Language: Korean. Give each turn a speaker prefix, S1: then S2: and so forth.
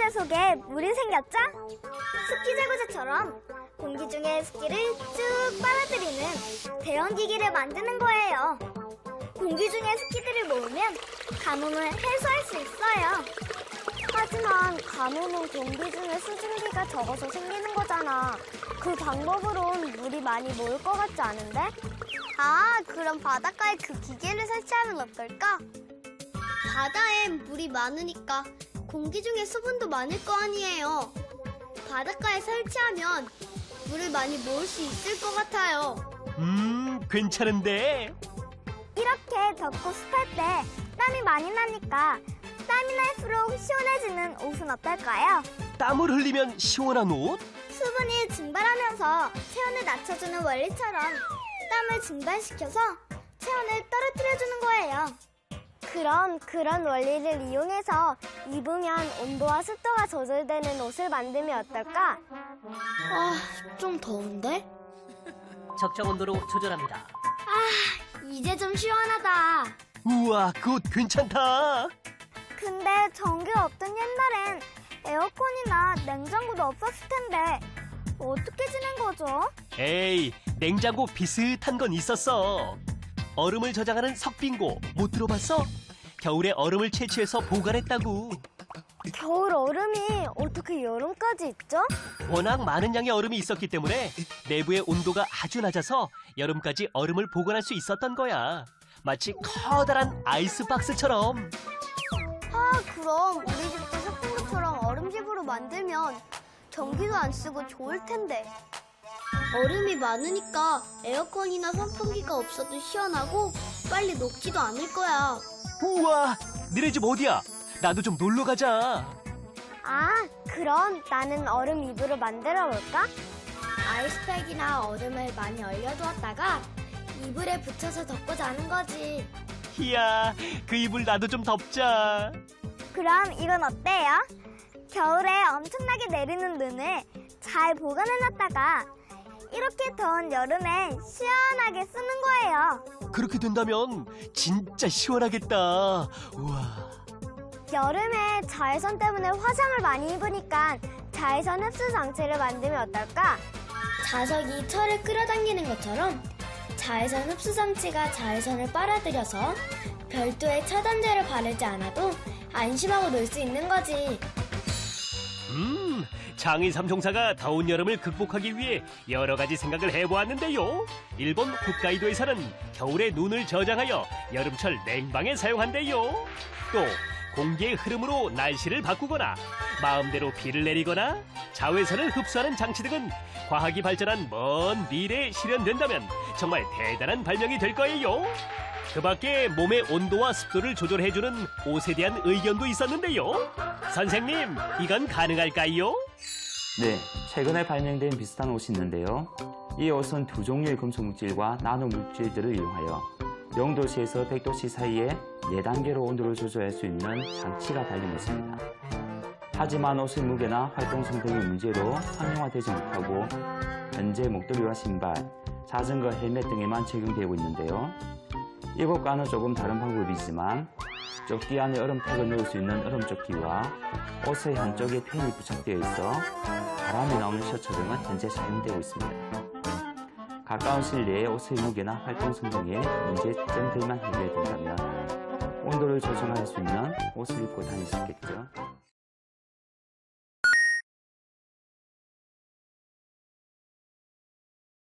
S1: 물 속에 물이 생겼죠? 습기 제거제처럼 공기 중에 습기를 쭉 빨아들이는 대형 기기를 만드는 거예요. 공기 중에 습기들을 모으면 가뭄을 해소할 수 있어요. 하지만 가뭄은 공기 중에 수증기가 적어서 생기는 거잖아. 그 방법으론 물이 많이 모일 것 같지 않은데? 아, 그럼 바닷가에 그 기계를 설치하면 어떨까? 바다엔 물이 많으니까 공기 중에 수분도 많을 거 아니에요. 바닷가에 설치하면 물을 많이 모을 수 있을 것 같아요.
S2: 괜찮은데?
S1: 이렇게 덥고 습할 때 땀이 많이 나니까 땀이 날수록 시원해지는 옷은 어떨까요?
S2: 땀을 흘리면 시원한 옷?
S1: 수분이 증발하면서 체온을 낮춰주는 원리처럼 땀을 증발시켜서 체온을 떨어뜨려주는 거예요. 그럼 그런 원리를 이용해서 입으면 온도와 습도가 조절되는 옷을 만들면 어떨까? 좀 더운데?
S3: 적정 온도로 조절합니다.
S1: 이제 좀 시원하다.
S2: 우와, 그 옷 괜찮다.
S1: 근데 전기가 없던 옛날엔 에어컨이나 냉장고도 없었을 텐데 어떻게 지낸 거죠?
S2: 에이, 냉장고 비슷한 건 있었어. 얼음을 저장하는 석빙고 못 들어봤어? 겨울에 얼음을 채취해서 보관했다고.
S1: 겨울 얼음이 어떻게 여름까지 있죠?
S2: 워낙 많은 양의 얼음이 있었기 때문에 내부의 온도가 아주 낮아서 여름까지 얼음을 보관할 수 있었던 거야. 마치 커다란 아이스박스처럼.
S1: 그럼 우리 집도 석빙구처럼 얼음집으로 만들면 전기도 안 쓰고 좋을 텐데. 얼음이 많으니까 에어컨이나 선풍기가 없어도 시원하고 빨리 녹지도 않을 거야.
S2: 우와, 너네 집 어디야? 나도 좀 놀러 가자.
S1: 그럼 나는 얼음 이불을 만들어 볼까? 아이스팩이나 얼음을 많이 얼려두었다가 이불에 붙여서 덮고 자는 거지.
S2: 이야, 그 이불 나도 좀 덮자.
S1: 그럼 이건 어때요? 겨울에 엄청나게 내리는 눈을 잘 보관해놨다가 이렇게 더운 여름에 시원하게 쓰는 거예요.
S2: 그렇게 된다면 진짜 시원하겠다. 우와.
S1: 여름에 자외선 때문에 화상을 많이 입으니까 자외선 흡수 장치를 만들면 어떨까? 자석이 철을 끌어당기는 것처럼 자외선 흡수 장치가 자외선을 빨아들여서 별도의 차단제를 바르지 않아도 안심하고 놀 수 있는 거지.
S2: 장인 삼총사가 더운 여름을 극복하기 위해 여러 가지 생각을 해보았는데요. 일본 홋카이도에서는 겨울에 눈을 저장하여 여름철 냉방에 사용한대요. 또 공기의 흐름으로 날씨를 바꾸거나 마음대로 비를 내리거나 자외선을 흡수하는 장치 등은 과학이 발전한 먼 미래에 실현된다면 정말 대단한 발명이 될 거예요. 그 밖에 몸의 온도와 습도를 조절해주는 옷에 대한 의견도 있었는데요. 선생님, 이건 가능할까요?
S4: 네, 최근에 발명된 비슷한 옷이 있는데요. 이 옷은 두 종류의 금속 물질과 나노 물질들을 이용하여 0도씨에서 100도씨 사이에 4단계로 온도를 조절할 수 있는 장치가 달린 것입니다. 하지만 옷의 무게나 활동성 등의 문제로 상용화되지 못하고 현재 목도리와 신발, 자전거 헬멧 등에만 적용되고 있는데요. 이것과는 조금 다른 방법이지만 조끼 안에 얼음팩을 넣을 수 있는 얼음조끼와 옷의 한쪽에 팬이 부착되어 있어 바람이 나오는 셔츠 등은 현재 사용되고 있습니다. 가까운 실내에 옷의 무게나 활동성 등의 문제점들만 해결된다면 온도를 조정할 수 있는 옷을 입고 다닐 수 있겠죠.